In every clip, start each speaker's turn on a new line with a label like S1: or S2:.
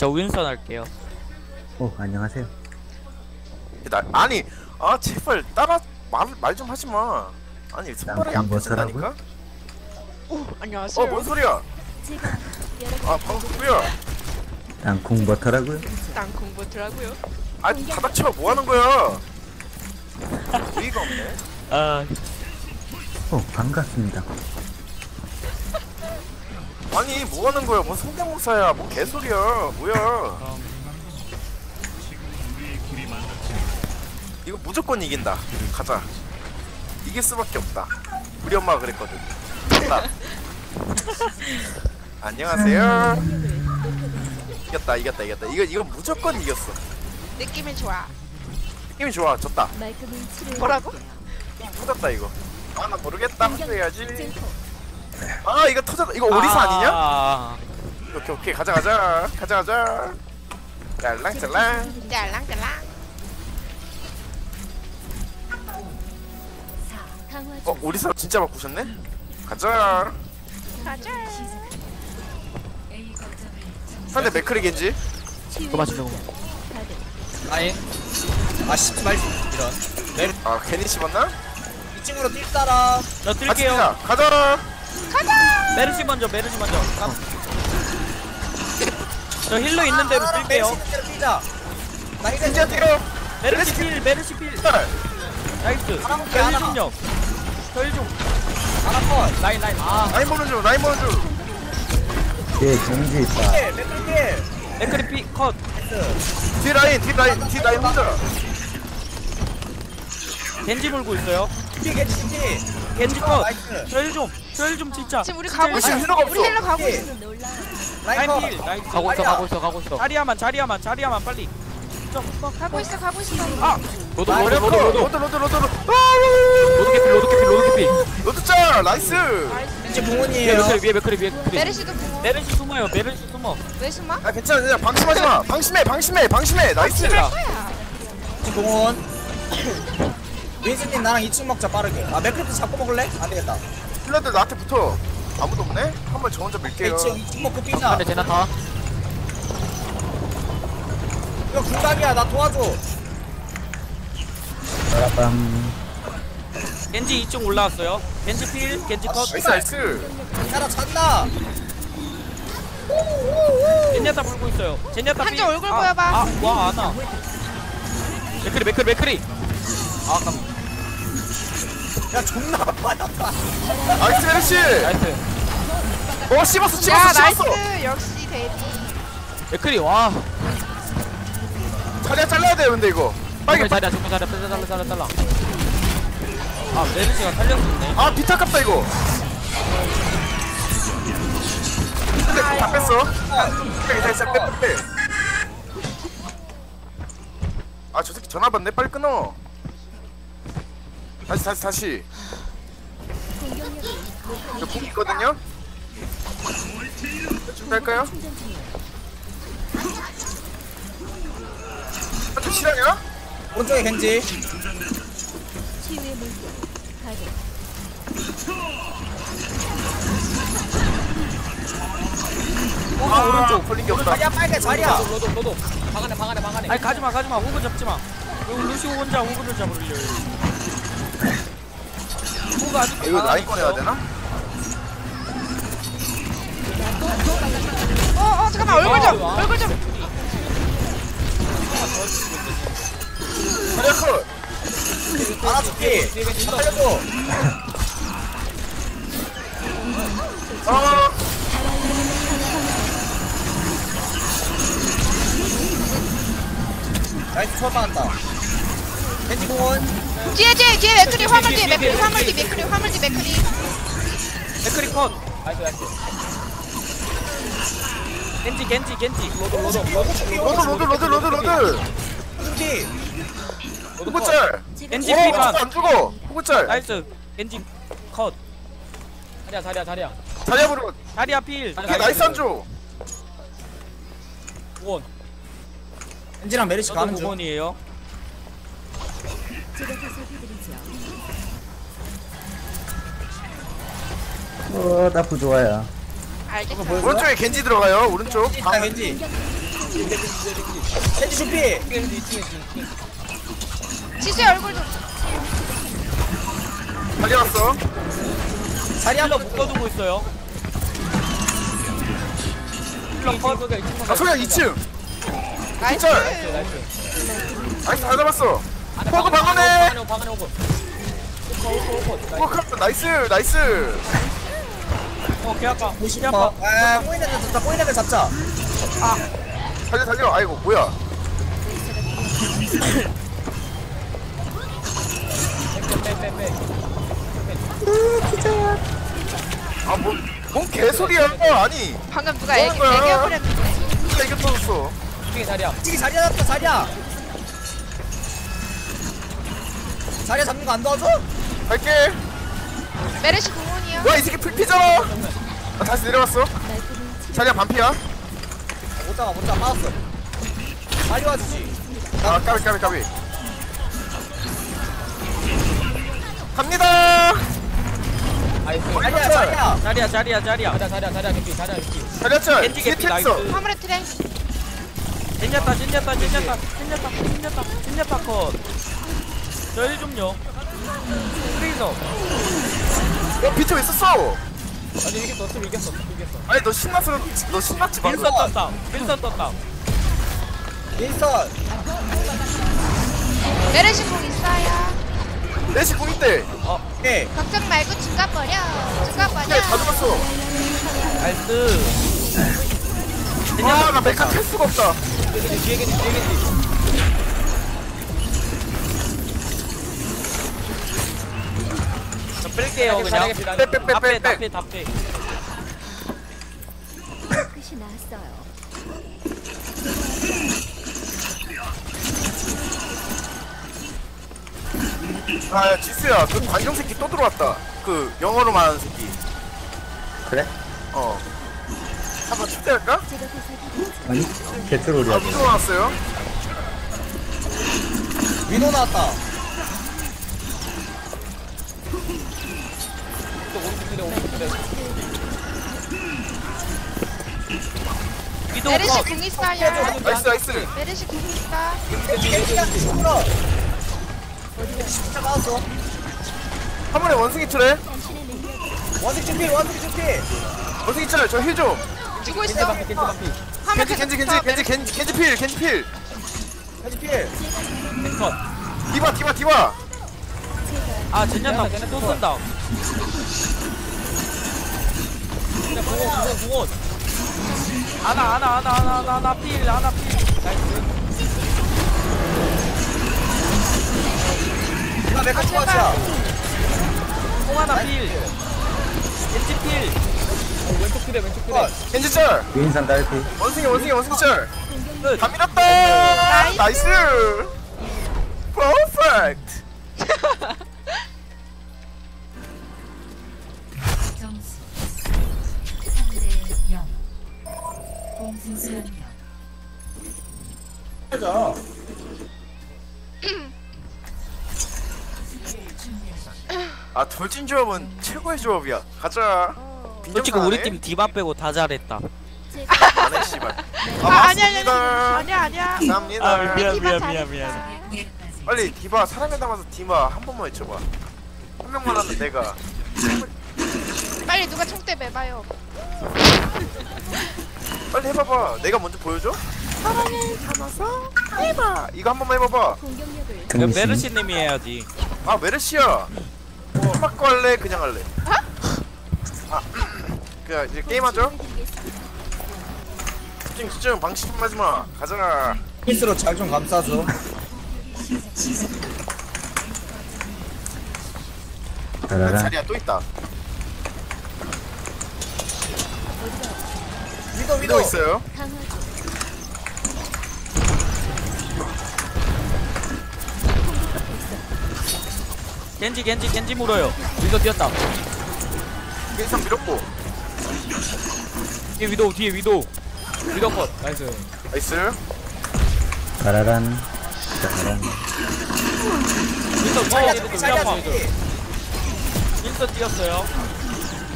S1: 저 윈선 할게요.
S2: 안녕하세요.
S3: 아니 제발 따라 말 좀 하지 마. 아니 손가락이 안 펴진다니까.
S4: 오 안녕하세요.
S3: 뭔 소리야? 방금 뭐야?
S2: 땅콩 버터라고요?
S4: 땅콩 버터라고요.
S3: 다 닥쳐. 뭐 하는 거야? 의의가 없네.
S2: 반갑습니다.
S3: 아니 뭐 하는 거야? 뭔 성대모사야? 뭔 개소리야? 뭐야? 이거 무조건 이긴다. 가자. 이길 수밖에 없다. 우리 엄마가 그랬거든. 간다. 안녕하세요. 이겼다. 이거 무조건 이겼어.
S4: 느낌이 좋아.
S3: 느낌이 좋아. 졌다.
S4: 뭐라고?
S3: 터졌다 이거. 나 모르겠다. 해야지. 이거 터졌다. 이거 오리사 아니냐? 오케이 가자. 짤랑짤랑.
S4: 짤랑짤랑.
S3: 오리사 진짜 바꾸셨네? 가자. 상대 맥크리 겐지.
S1: 그거 맞추려고.
S5: 아예 씹지 말지 이런.
S3: 괜히 씹었나?
S5: 2층으로 뛸 사람.
S1: 저
S3: 같이
S1: 뛸게요.
S3: 뛰자. 가자.
S1: 메르시 먼저. 저 힐러 있는 대로 뛸게요.
S5: 뛰자. 나 이제
S3: 겐지야 뛰어.
S1: 메르시 필. 나이스. 메르시 좀. 저 힐 좀.
S5: 하나 컷.
S1: 라인.
S3: 라인 보는 중.
S2: 예, 경지 있다.
S5: 맥클킬.
S1: 맥크리 피 컷.
S3: 뒤 라인 혼자.
S1: 겐지 물고 있어요.
S5: 겐지.
S1: 겐지 컷.
S5: 나이스.
S1: 저 힐 좀 진짜.
S4: 지금 우리 가고 있어.
S3: 지금 힐러가 없어.
S4: 우리 힐러 가고 있어.
S1: 라인
S5: 라인
S1: 필.
S5: 컷.
S1: 나이스.
S5: 가고
S1: 있어. 자리야만 빨리.
S4: 가고 있어.
S1: 로드.
S3: 로드 짤. 나이스.
S5: 겐지 공원이에요.
S1: 위에 맥크리.
S4: 메르시도 궁어.
S1: 메르시 숨어.
S4: 왜 숨어?
S3: 괜찮아. 그냥 방심하지 마. 방심해. 나이스.
S4: 거야.
S5: 겐지 공원. 윈스님 나랑 2층 먹자 빠르게. 맥클도 잡고 먹을래? 안 되겠다.
S3: 힐러들 나한테 붙어. 아무도 없네. 한번 저 혼자 밀게요.
S5: 2층 먹고 뛰자.
S1: 근데 제나타.
S5: 이거 궁각이야. 나 도와줘.
S2: 빠라밤.
S1: 겐지 2층 올라왔어요. 겐지 필. 겐지 컷.
S3: 나이스.
S5: 자라 찬다.
S1: 젠야타 물고 있어요. 젠야타
S4: 한쪽 얼굴 보여봐.
S1: 와 안아. 맥크리.
S5: 야 존나 빠졌다.
S3: 나이스 메르시.
S1: 나이스.
S3: 씹었어.
S4: 야 나이스. 역시 대리.
S1: 맥크리 와.
S3: 자리야 잘라야 돼 근데 이거. 빨리.
S1: 자리야. 잘라. 메르시가 살렸었네.
S3: 비타 깝다 이거. 근데 다 뺐어. 빼. 저 새끼 전화 받네. 빨리 끊어. 다시. 저 공 있거든요. 준비할까요? 좀 실화냐?
S5: 오른쪽에 겐지.
S3: 오른쪽 걸린 게 없다.
S5: 자리야 빨개 자리야.
S1: 로도. 방 안에. 아니 가지마. 호그 잡지마. 여기 루시오 혼자 호그를 잡으려고. 호그 아직.
S3: 이거 라인 꺼내야 되나?
S4: 잠깐만 얼굴 좀.
S3: 자리야 컷.
S5: 알아줄게. 살려줘. 나이스 초월 받았다. 겐지 공원.
S4: 뒤에 맥크리 화물 뒤에 맥크리.
S1: 맥크리 컷. 나이스. 겐지.
S3: 로드.
S5: 겐지.
S3: 호구짤.
S1: 겐지 피반.
S3: 안 죽어. 호구짤.
S1: 나이스. 겐지 컷. 자리야.
S3: 자리야 부르고.
S1: 자리야 필.
S3: 이게 나이스 안 줘.
S1: 원.
S5: 겐지랑 메리시
S1: 저도
S5: 가는 중.
S1: 9번이에요.
S2: 나 부조화야.
S4: 알겠어.
S3: 오른쪽에 겐지 들어가요. 오른쪽.
S5: 겐지. 겐지 준비.
S4: 지수의 얼굴 좀.
S3: 달려왔어.
S5: 자리
S1: 힐러
S5: 한번
S1: 묶어두고 있어요. 힐러 컷.
S3: 아 소야 2층.
S4: 나이스.
S3: 짤. 나이스 다 잡았어. 포그 방어네.
S1: 방안에 오고.
S3: 포그 나이스 나이스.
S1: 개 아파. 개 아파.
S5: 어. 아, 꼬이는 애 잡자. 꼬이는 애 잡자.
S3: 달려 달려. 아이고 뭐야. 아뭔 개소리야. 아니
S4: 방금 누가
S3: 뭐
S4: 애교
S3: 하는 거야?
S4: 부렸는데.
S3: 진짜 이게 터졌어.
S5: 이게 자리야 잡다 자리야. 자리야 잡는 거 안 도와줘?
S3: 갈게.
S4: 메르시 공원이요.
S3: 와 이 새끼 풀피잖아. 아, 다시 내려왔어. 자리야 반피야.
S5: 못 잡아 빠졌어. 자리 와주지.
S3: 아 까비 갑니다.
S5: 자리야.
S1: 자리야.
S3: 자리야 짤.
S1: 겐지
S3: 뒤에
S1: 개피,
S3: 탭 있어.
S1: 나이스.
S4: 화물에 트레.
S1: 진야타 컷. 저일 좀요. 프리저.
S3: 비트 왜 썼어?
S1: 아니 이겼어.
S3: 아니 너 신났어. 너 신났지 방금.
S1: 윈선 떴다.
S5: 윈스턴.
S4: 메르시 공 있어요.
S3: 내시 공 있대.
S5: 오케이.
S4: 걱정 말고 중간 버려. 중간 버려.
S3: 야, 다 죽었어.
S1: 나이스.
S3: 나 메카 탈 수가 없다.
S1: 뒤에 겐지. 저 뺄게요 그냥.
S3: 빼.
S1: 다 빼.
S6: 끝이 났어요.
S3: 아 지수야 그 관종 새끼 또 들어왔다. 그 영어로 말하는 새끼.
S2: 그래?
S3: 한번 초대할까?
S6: 제가 보살펴드리죠.
S2: 아니 개트롤이야.
S3: 또 들어왔어요.
S5: 위도 나왔다.
S1: 위도
S4: 메르시
S1: 컷.
S4: 공 있어요.
S3: 나이스.
S4: 메르시 공 있다.
S5: 겐지가 죽어. 진짜 나왔어.
S3: 한 번에 원숭이 틀에.
S6: 당신의 능력
S5: 원숭이 준비.
S3: 원숭이 틀에 저 힐 좀.
S4: 주고 있어. 화물
S3: 겐지 필.
S5: 겐지 필.
S1: 컷.
S3: 디바.
S1: 아 진야타 또 쓴다. 공원. 하나 필. 나이스.
S5: 나 메카 좋아하자.
S1: 공 하나 필. 겐지 필. 왼쪽 그래.
S3: 겐지 짤.
S2: 윈선 딸피.
S3: 원숭이 짤.
S1: 끝.
S3: 다 밀었다. 나이스. 퍼펙트.
S6: 점수 3대 0. 공승수 한 명.
S3: 아 돌진 조합은 최고의 조합이야. 가자.
S1: 솔직히 우리 팀 디바 빼고 다 잘했다.
S3: 안해 씨발.
S4: 아니야.
S3: 감사합니다.
S1: 미안.
S3: 빨리 디바 사람에 담아서 디바 한 번만 외쳐봐. 한 명만 하면 내가.
S4: 빨리 누가 총대 매봐요.
S3: 빨리 해봐봐. 내가 먼저 보여줘. 사람에 담아서 해봐. 이거 한 번만 해봐봐.
S6: 공격력을
S1: 이거 메르시님이 해야지.
S3: 아 메르시야. 뭐 바꿔 할래? 그냥 할래? 그 이제 게임하죠? 집중 방심 좀 하지마. 가자.
S5: 피스로 잘 좀 감싸줘.
S2: 따라라.
S3: 자리야 또 있다.
S5: 위도
S3: 있어요.
S6: 강화조
S1: 겐지 물어요. 위도 뛰었다.
S3: 일상 밀었고.
S1: 뒤에 위도 컷. 나이스.
S3: 나이스.
S2: 따라란.
S1: 윈서
S5: 자리야
S1: 컷.
S5: 준비.
S1: 윈서 뛰었어요.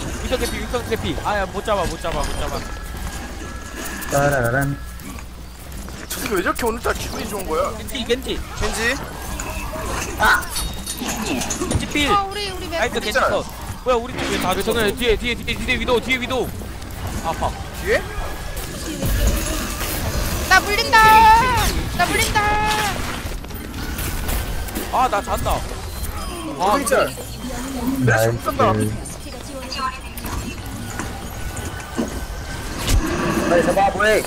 S1: 윈서 개피. 아야 못 잡아.
S2: 따라란.
S3: 왜 저렇게 오늘따라 기분이 좋은 거야?
S1: 겐지 겐지
S3: 겐지?
S1: 겐지 필
S4: 우리
S1: 나이스 겐지
S3: 있잖아.
S1: 컷 뭐야 우리 팀 왜다 저기 뒤에 위도 뒤에 위도 아파
S3: 뒤에?
S4: 나 물린다. 나 물린다.
S1: 아 나 잔다 아
S3: 진짜.
S2: 나이스.
S3: 못한다.
S2: 빨리 잡아, 뭐해?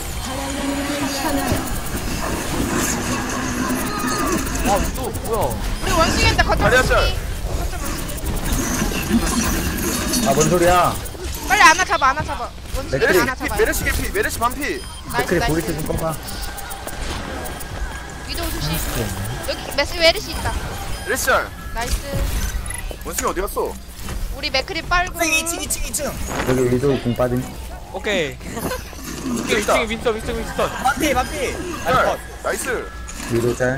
S1: 아 위도 뭐야
S4: 우리 원숭이한테 거점
S3: 다리야,
S4: 원숭이.
S3: 짤.
S4: 거점 원숭이.
S2: 아, 뭔 소리야?
S4: 빨리 안아 잡아 안아 잡아. 원숭이
S2: 맥크리.
S4: 안아 잡아.
S3: 메르시 개피, 메르시 반피.
S4: 나이스
S2: 그래, 보이스
S4: 나이스.
S2: 좀 꺼봐.
S4: 위도우 조심. 여기 메르시 있다.
S3: 메르시 짤.
S4: 나이스.
S3: 원숭이 어디 갔어?
S4: 우리 맥크리 빨고.
S5: 2층.
S2: 여기 위도 공 빠짐.
S1: 오케이
S3: 있다.
S1: 2층에 윈스턴
S5: 반피.
S3: 짤. 나이스.
S2: 위도 짤.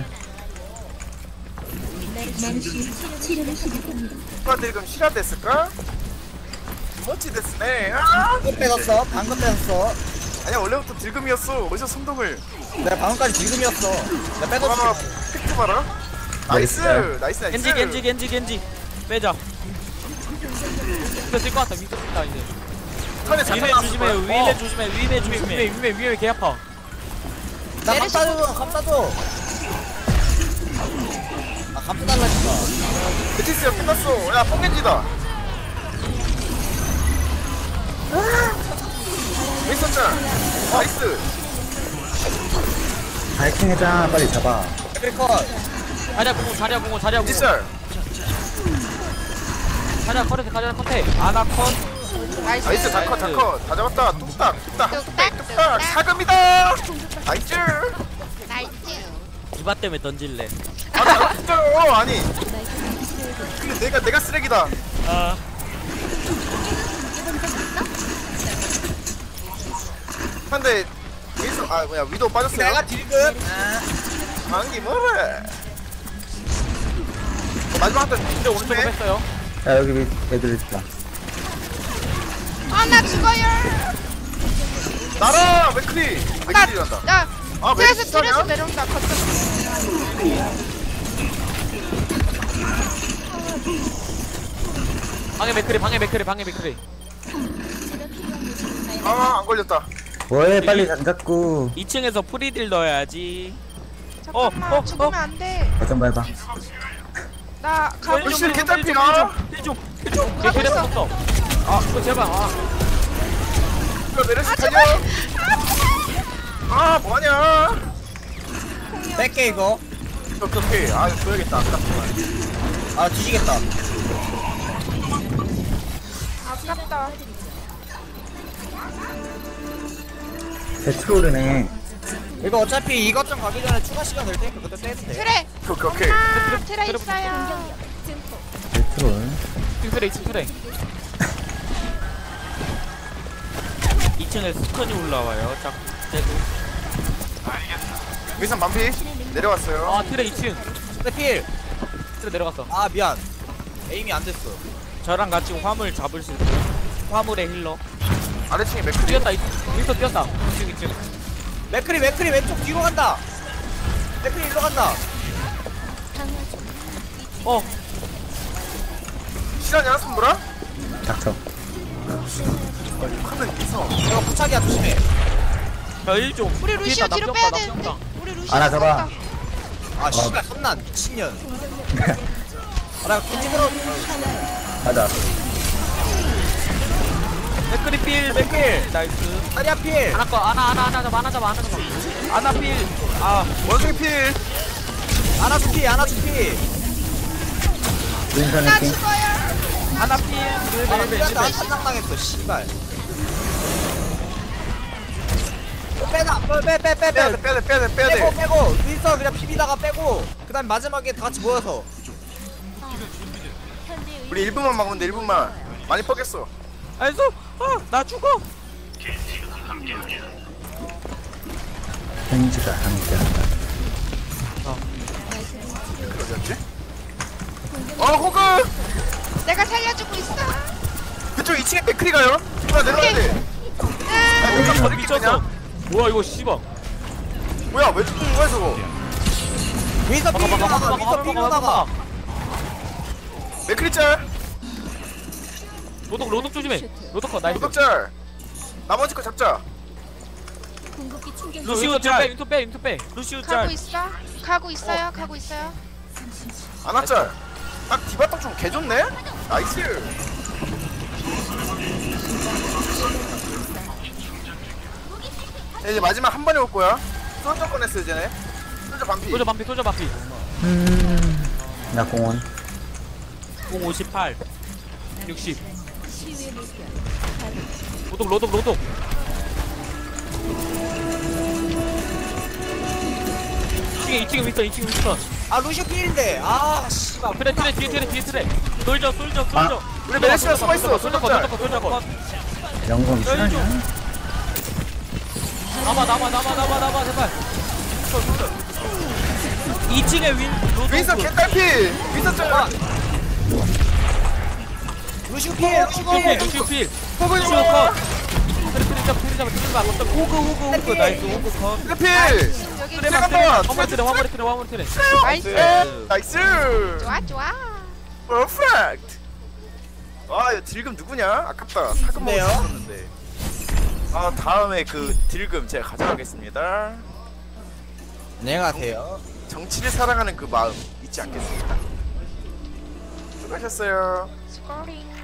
S3: 누가 지금 실화 됐을까? 멋지 됐네.
S5: 방금 뺐었어.
S3: 아니야 원래부터 딜금이었어. 어디서 성동을?
S5: 내가 방금까지 지금이었어. 내가
S3: 봐봐,
S5: 뺐었어.
S3: 팩트 봐라. 나이스,
S2: 나이스.
S3: 나이스.
S1: 겐지 빼자 윈스턴 뛸것 같다 윈스턴 뛴다 이제
S3: 턴에
S1: 위메
S3: 잠깐
S1: 조심해 위메 조심해 위메 개 아파
S5: 나
S4: 메르시
S5: 감싸줘. 아, 감싸 달라니까.
S3: 베티스야 끝났어. 야 뽕겐지다. 윈스턴 짤. 나이스.
S2: 파이팅 해자, 빨리 잡아.
S5: 크리컷.
S1: 자리야 공원
S3: 겐지 짤.
S1: 자리야 컷해 아나 컷
S4: 나이스.
S3: 나이스 다컷 다 잡았다. 뚝딱.
S4: 뚝딱.
S3: 사금이다. 나이스.
S4: 나이스.
S1: 이바 때문에 던질래
S3: 아 진짜요. 아니. 근데 내가 쓰레기다.
S1: 아
S3: 근데 윈스턴 위도 빠졌어요.
S5: 내가 딜금.
S3: 방기 뭐래? 마지막 한턴 진짜
S1: 오른쪽으로
S3: 오른쪽에
S1: 뺐어요
S2: 야, 여기 애들 있다.
S4: 아나 죽어요.
S3: 나라 맥크리 맥크리란다.
S4: 나
S3: 아,
S4: 트레스
S3: 메르시 짤이야?
S4: 내려온다. 거점.
S1: 방해 맥크리
S3: 아안 걸렸다.
S2: 뭐해, 빨리 안 잡고.
S1: 2층에서 프리딜 넣어야지
S4: 잠깐만 죽으면 안 돼.
S2: 거점 밟아.
S4: 나 가고
S3: 훨씬 개딸피야.
S1: 걔 데려 없어 아 이거 제발
S3: 이거 메르시 달려. 아 뭐하냐?
S5: 뺄게 이거.
S3: 오케이. 아 이거 줘야겠다. 아깝구만.
S5: 아, 뒤지겠다.
S4: 아깝다.
S2: 배트롤이네.
S5: 이거 어차피 이것 좀 가기 전에 추가 시간 될 테니까 그때 빼도 돼.
S4: 트레.
S3: 오케이.
S4: 아 트레 있어요.
S2: 배트롤.
S1: 2층 트레 2층에 스턴이 올라와요 자 쟤도
S3: 위선 반피 내려왔어요.
S1: 아 트레 2층
S5: 근데 필.
S1: 트레 내려갔어
S5: 아, 미안. 에임이 안 됐어.
S1: 저랑 같이 화물 잡을 수 있어요 화물의 힐러
S3: 아래층에 맥크리.
S1: 뛰었다 윈스턴 뛰었다 2층
S5: 맥크리 왼쪽 뒤로 간다. 맥크리 일로 간다.
S3: 시간이 하나 손보라?
S2: 닥쳐.
S3: 카드 있어.
S5: 이거 부착이야, 조심해.
S1: 저1좀
S4: 우리 루시오 뒤로 빼야 되는데. 우리 루시오.
S2: 하나 잡아.
S5: 아, 씨발, 선난 미친년. 아, 나 겐지으로
S2: 가자.
S1: 맥크리 필 맥필 나이스
S5: 다리야 필.
S1: 하나 거 하나 잡아 하나 필아
S3: 원숭이 필.
S5: 아나 주피.
S2: 윈선
S4: 나
S2: 해킹.
S4: 죽어요.
S1: 하나 필
S5: 아, 나 탄장당했어, 씨발. 빼다, 빼. 빼고. 윈서 그냥 비비다가 빼고. 그 다음 마지막에 다 같이 모여서.
S3: 우리 1분만 막으면 돼. 1분만. 많이 뻑겠어.
S1: 나이스 나 죽어
S2: 펜지가 함께한다.
S3: 어디였지? 호그!
S4: 내가 살려주고 있어.
S3: 그쪽 2층에 맥크리 가요. 내려가야 돼.
S4: 아,
S3: 아, 여기서 버릴게
S1: 미쳤어
S3: 그냥.
S1: 뭐야 이거 씨발
S3: 뭐야 왜 죽는 거야 저거?
S5: 윈서
S1: 막아 막아 막아
S5: 필요다가 윈서
S1: 막아
S5: 필요다가
S1: 막아.
S3: 맥크리짤
S1: 로독 조심해. 로독 컷 나이스.
S3: 도덕짤 나머지 거 잡자.
S6: 궁극기 충전.
S1: 루시우 짤. 윈터 빼. 루시우
S4: 가고
S1: 짤.
S4: 있어. 가고 있어요. 가고 있어요.
S3: 아나짤 딱 디바떡 좀 개좋네? 나이스. 자, 이제 마지막 한 번에 올 거야. 솔저 꺼냈어 이제네. 솔저 반피.
S1: 소저 반피.
S2: 나 공원.
S1: 공 58. 60.
S6: 치유의 물결.
S1: 로독. 2층에 윈터.
S5: 아 루시오 필인데 아 씨발
S1: 트레 뒤에 트레. 솔저.
S3: 우리 메르시가 숨어있어.
S1: 솔저 컷.
S2: 영검
S1: 짤.
S2: 실화냐?
S1: 남아 제발. 2층에 로독.
S3: 윈서 개딸피. 윈서 짤.
S5: 루시오 필
S1: 루시우 필.
S3: 포근이
S1: 루시우 컷. 트레 잡아. 호그 나이스. 호그 컷.
S3: 트래필.
S4: 여기
S1: 트레
S3: 잠깐만.
S1: 화물 트레.
S4: 나이스.
S3: 나이스.
S4: 좋아.
S3: 퍼펙트. 아 이거 딜금 누구냐? 아깝다. 사금
S5: 네요.
S3: 먹었었는데. 아 다음에 그 딜금 제가 가져가겠습니다.
S5: 내가 돼요
S3: 정치를 사랑하는 그 마음 잊지 않겠습니다. 수고하셨어요.
S4: 스코링.